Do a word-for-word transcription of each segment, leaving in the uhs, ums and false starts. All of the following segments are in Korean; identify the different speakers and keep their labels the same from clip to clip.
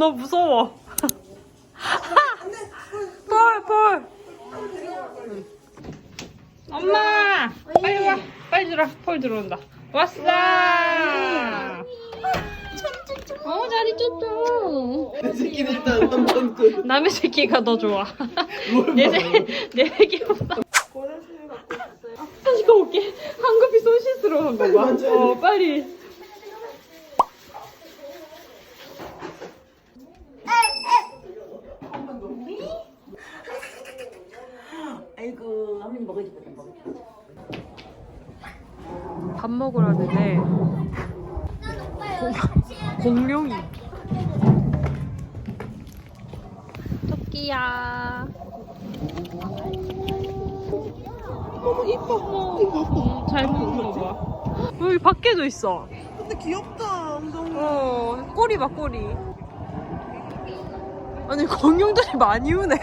Speaker 1: 나 무서워. 볼, 볼. 엄마! 빨리 와. 빨리 들어. 폴 들어온다. 왔어! 어, 자리 쫓죠.
Speaker 2: 내 새끼는 일단 한번 그
Speaker 1: 남의 새끼가 더 좋아. 내, 새, 내 새끼보다. 다시 가올게. 한급이 손 씻으러 간 거 봐. 어, 빨리.
Speaker 2: 아이고 한번 먹어야지 먹어.
Speaker 1: 밥 먹으라는데 공룡이. 토끼야.
Speaker 2: 너무 이뻐. 이뻐.
Speaker 1: 음, 잘 먹는 거 봐. 여기 밖에도 있어.
Speaker 2: 근데 귀엽다. 엉덩이.
Speaker 1: 어, 꼬리 봐, 꼬리. 아니, 공룡들이 많이 우네.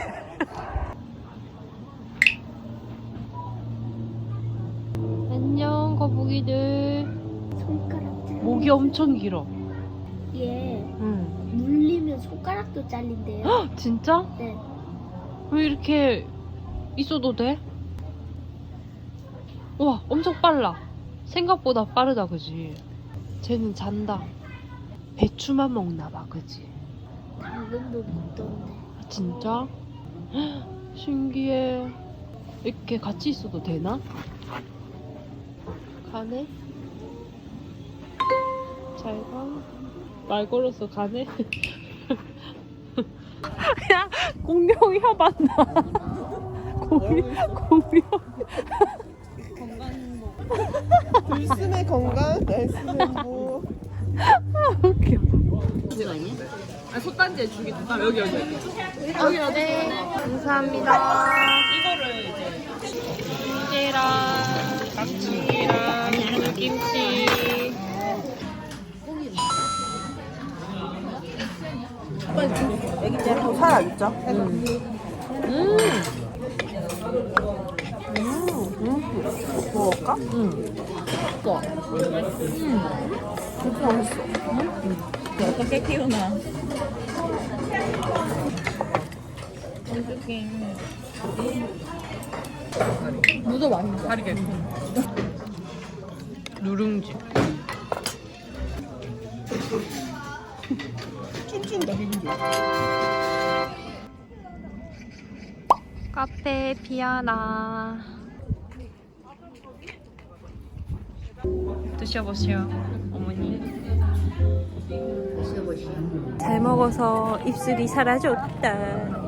Speaker 1: 안녕, 거북이들.
Speaker 3: 손가락 잘린
Speaker 1: 목이 엄청 길어.
Speaker 3: 게
Speaker 1: 응.
Speaker 3: 물리면 손가락도 잘린대요.
Speaker 1: 헉, 진짜?
Speaker 3: 네.
Speaker 1: 왜 이렇게 있어도 돼? 와, 엄청 빨라. 생각보다 빠르다, 그지? 쟤는 잔다. 배추만 먹나 봐, 그지?
Speaker 3: 당근도 먹던데.
Speaker 1: 아, 진짜? 헉, 신기해. 이렇게 같이 있어도 되나? 가네? 잘 가. 말 걸어서 가네? 야, 공룡 혀봤나? 공룡, 공룡.
Speaker 2: 들숨의 건강, 날숨의 뭐.
Speaker 1: 웃겨.
Speaker 3: 그거 아니야?
Speaker 1: 아, 솥단지에 죽이 아, 여기, 여기, 여기. 여기, 여기. 감사합니다. 이거를 이제, 김치랑, 낙지랑, 김치.
Speaker 2: 애기 때 한번 살아있죠?
Speaker 1: 음. 음.
Speaker 2: 먹을까?
Speaker 1: 음. 맛있어.
Speaker 2: 진짜 맛있어.
Speaker 4: 어떻게 키우나?
Speaker 1: 무도 맛있어. 다르게. 누룽지.
Speaker 2: 춤춘다, 기분 좋아.
Speaker 1: 카페 피아나. 드셔보시오, 어머니.
Speaker 3: 드셔보시오.
Speaker 1: 잘 먹어서 입술이 사라졌다.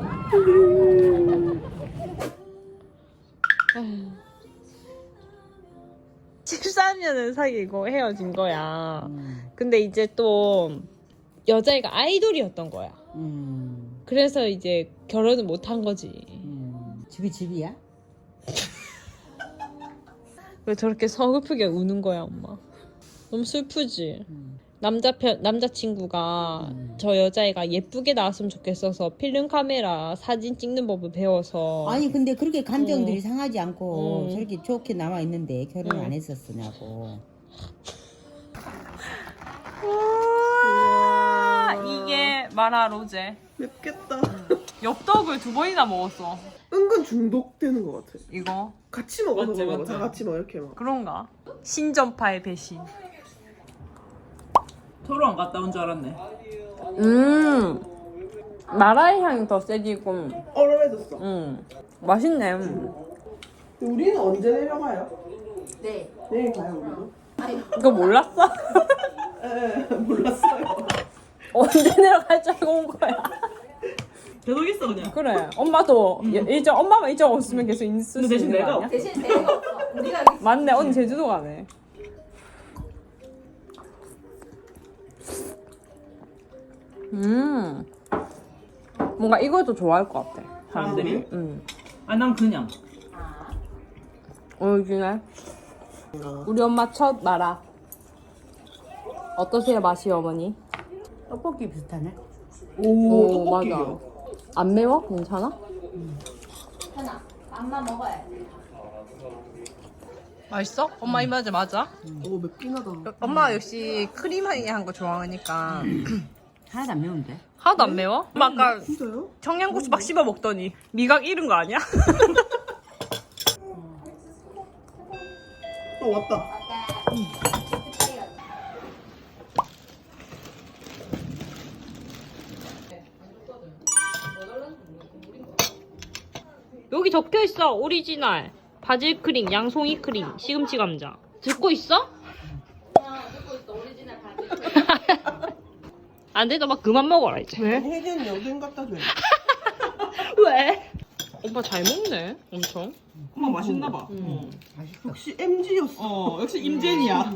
Speaker 1: 십삼 년을 사귀고 헤어진 거야.
Speaker 4: 음.
Speaker 1: 근데 이제 또 여자애가 아이돌이었던 거야.
Speaker 4: 음.
Speaker 1: 그래서 이제 결혼을 못 한 거지.
Speaker 4: 음. 집이 집이야?
Speaker 1: 왜 저렇게 서글프게 우는 거야, 엄마? 너무 슬프지?
Speaker 4: 음.
Speaker 1: 남자 편, 남자친구가
Speaker 4: 음.
Speaker 1: 저 여자애가 예쁘게 나왔으면 좋겠어서 필름 카메라 사진 찍는 법을 배워서.
Speaker 4: 아니 근데 그렇게 감정들이
Speaker 1: 어.
Speaker 4: 상하지 않고
Speaker 1: 음.
Speaker 4: 저렇게 좋게 남아 있는데 결혼
Speaker 1: 음.
Speaker 4: 안 했었으냐고.
Speaker 1: 우와, 이게 마라 로제.
Speaker 2: 맵겠다.
Speaker 1: 엽떡을 두 번이나 먹었어.
Speaker 2: 은근 중독되는 것 같아.
Speaker 1: 이거
Speaker 2: 같이 먹어서
Speaker 1: 맞지,
Speaker 2: 그런 거
Speaker 1: 맞지.
Speaker 2: 다 같이 먹어, 이렇게 먹어.
Speaker 1: 그런가? 신전파의 배신.
Speaker 5: 토로 안 갔다 온 줄 알았네.
Speaker 1: 음, 마라의 향이 더 세지고,
Speaker 2: 얼얼해졌어.
Speaker 1: 음, 맛있네.
Speaker 2: 우리는 언제 내려가요?
Speaker 3: 네.
Speaker 2: 내일 가요, 우리도?
Speaker 1: 이거 몰랐어?
Speaker 2: 에 몰랐어요.
Speaker 1: 언제 내려갈 줄 알고 온 거야.
Speaker 5: 계속 있어 그냥.
Speaker 1: 그래. 엄마도 예- 일정 엄마만 일정 없으면 계속 있을 수
Speaker 5: 근데 대신
Speaker 1: 있는 거
Speaker 5: 내가
Speaker 1: 아니야?
Speaker 3: 대신 내가 없어. 우리가
Speaker 1: 맞네. 언니 제주도 가네. 음. 뭔가 이것도 좋아할 것 같아.
Speaker 5: 사람들이?
Speaker 1: 음.
Speaker 5: 아 난 그냥.
Speaker 1: 오리지널. 우리 엄마 첫 마라. 어떠세요, 맛이, 어머니?
Speaker 4: 떡볶이 비슷하네.
Speaker 2: 오,
Speaker 1: 맞아.
Speaker 2: 떡볶이요.
Speaker 1: 안 매워? 괜찮아?
Speaker 3: 하나. 맘만 먹어야 돼.
Speaker 1: 맛있어? 엄마 입맛에 맞아?
Speaker 2: 오, 맵긴 하다.
Speaker 1: 엄마 역시 크림하게 한 거 좋아하니까
Speaker 4: 하나도 안 매운데?
Speaker 1: 하나도 안 매워? 막 아까
Speaker 2: 진짜요?
Speaker 1: 청양고추 막 씹어 먹더니 미각 잃은 거 아니야?
Speaker 2: 어 왔다.
Speaker 1: 여기 적혀 있어. 오리지널 바질 크림, 양송이 크림, 시금치 감자. 듣고 있어? 안 돼, 너 막 그만 먹어라 이제. 왜?
Speaker 2: 혜진 여긴 갖다 줘.
Speaker 1: 왜? 오빠 잘 먹네, 엄청.
Speaker 5: 엄마 맛있나 봐.
Speaker 2: 음. 역시 엠지였어.
Speaker 5: 어, 역시 임젠이야.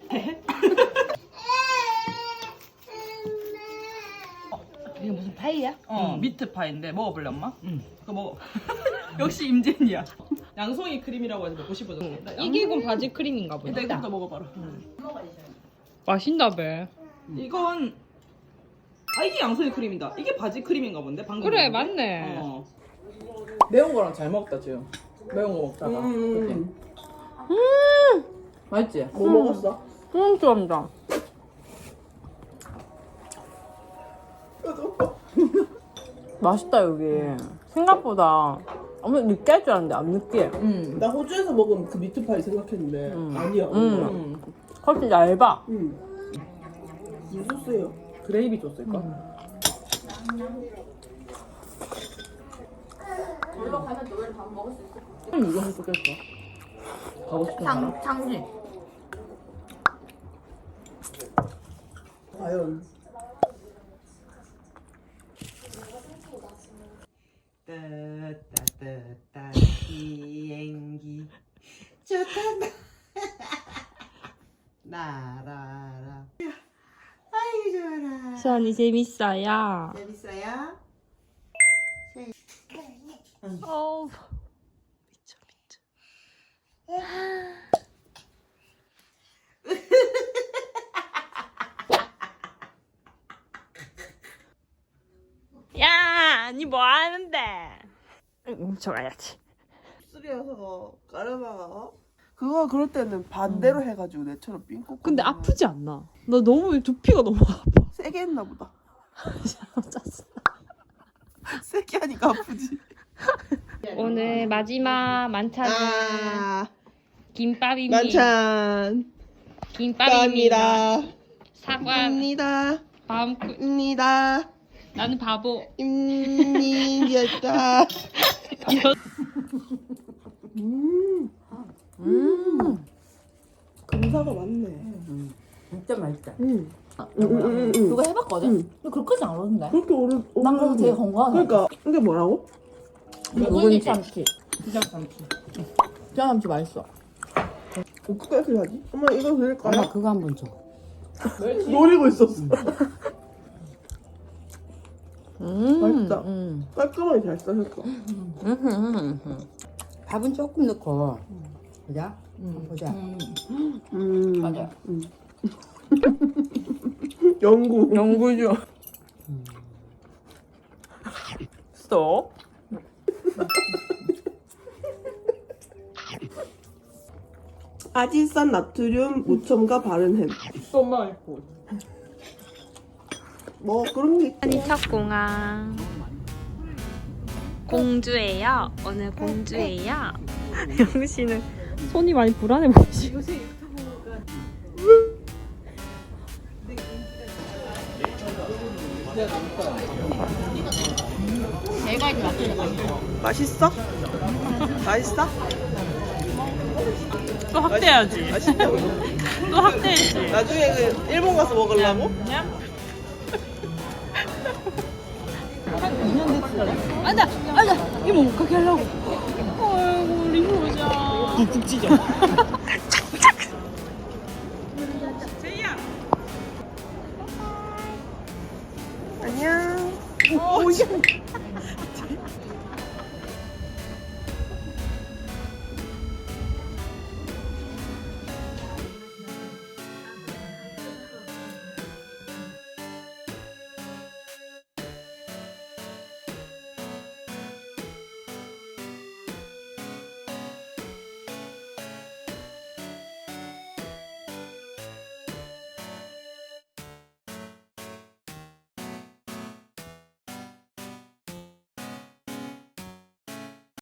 Speaker 4: 이게 무슨 파이야?
Speaker 5: 어, 미트 파인데 먹어볼래 엄마? 응. 그거 먹어. 역시 임젠이야. 양송이 크림이라고 해서 먹고 싶어졌어.
Speaker 1: 이기군 바질 크림인가 보다.
Speaker 5: 일단 이거부터 먹어봐라.
Speaker 1: 맛있나 봐.
Speaker 5: 이건 아 이게 양송이 크림이다. 이게 바질 크림인가 본데 방금.
Speaker 1: 그래,
Speaker 5: 먹은 게?
Speaker 1: 맞네.
Speaker 5: 어. 매운 거랑 잘 먹다 지금. 매운 거 먹다가.
Speaker 2: 음.
Speaker 5: 맛있지?
Speaker 2: 뭐 먹었어?
Speaker 1: 음, 좋아한다. 맛있다 여기. 생각보다 엄청 느끼할 줄 알았는데 안 느끼해.
Speaker 5: 응.
Speaker 2: 나 호주에서 먹은 그 미트파이 생각했는데 아니야.
Speaker 1: 음.
Speaker 5: 응.
Speaker 1: 훨씬 얇아.
Speaker 2: 음. 무슨 소스예요?
Speaker 5: 그레이비 줬을까?
Speaker 3: 놀러 가면 너희 밥 먹을 수 있어.
Speaker 5: 응, 이거 했었겠어. 가고 싶은 사람?
Speaker 3: 장, 장지.
Speaker 2: 과연.
Speaker 6: 따따따따 비행기 좋다 날아라 아이 좋아라
Speaker 1: 수환이 재밌어요.
Speaker 6: 재밌어요?
Speaker 1: 어우, 미쳐 미쳐. 야, 니 뭐 하는데? 훔쳐가야지.
Speaker 2: 쓰리여서 까르마가 그거 그럴 때는 반대로 해가지고 내처럼 삥 꽂고.
Speaker 1: 근데 아프지 않나? 나 너무 두피가 너무 아파.
Speaker 2: 세게 했나 보다.
Speaker 1: 짜증나.
Speaker 2: 세게 하니까 아프지.
Speaker 1: 오늘 마지막 만찬은
Speaker 2: 아
Speaker 1: 김밥입니다.
Speaker 2: 만찬
Speaker 1: 김밥입니다.
Speaker 2: 감사합니다.
Speaker 1: 사과,
Speaker 2: 입니다.
Speaker 1: 밤,
Speaker 2: 입니다.
Speaker 1: 나는 바보.
Speaker 2: 입니다. 음. 음. 금사가 많네.
Speaker 4: 진짜 맛있다.
Speaker 2: 음. 음, 음, 음, 음.
Speaker 3: 그거 해봤거든?
Speaker 2: 응.
Speaker 3: 근데 그렇게까지 안 오는데?
Speaker 2: 그렇게 오래
Speaker 3: 난 그거 되게
Speaker 2: 오래.
Speaker 3: 건강하네.
Speaker 2: 그러니까 이게 뭐라고?
Speaker 3: 묵은지 참치.
Speaker 5: 시장 참치.
Speaker 3: 시장 참치 맛있어.
Speaker 2: 어떻게 하지? 엄마 이거 드릴까요?
Speaker 4: 엄마 그거 한번 줘.
Speaker 2: 노리고 있었어.
Speaker 1: 음,
Speaker 2: 맛있다.
Speaker 1: 음.
Speaker 2: 깔끔하게 잘 싸셨어.
Speaker 4: 밥은 조금 넣고. 보자. 한번 보자.
Speaker 2: 음.
Speaker 3: 맞아.
Speaker 2: 음. 연구.
Speaker 1: 연구죠. 스톱.
Speaker 2: 아질산 나트륨 무첨가 바른 햄.
Speaker 5: 또 맛있고.
Speaker 2: 뭐 그런 게 있고.
Speaker 1: 아니 첫 공항. 공주예요. 오늘 공주예요. 영씨는 손이 많이 불안해 보이시.
Speaker 3: 내가 이제
Speaker 2: 맛있어? 맛있어?
Speaker 1: 또 확대해야지.
Speaker 2: 맛있다고.
Speaker 1: 또 확대해야지.
Speaker 2: 나중에 그 일본 가서 먹으려고?
Speaker 1: 앉아, 앉아. 이모 못 가게 하려고. 아이고 우리 효자. 북북 찢어. 제이야.
Speaker 2: 안녕. 오, 야.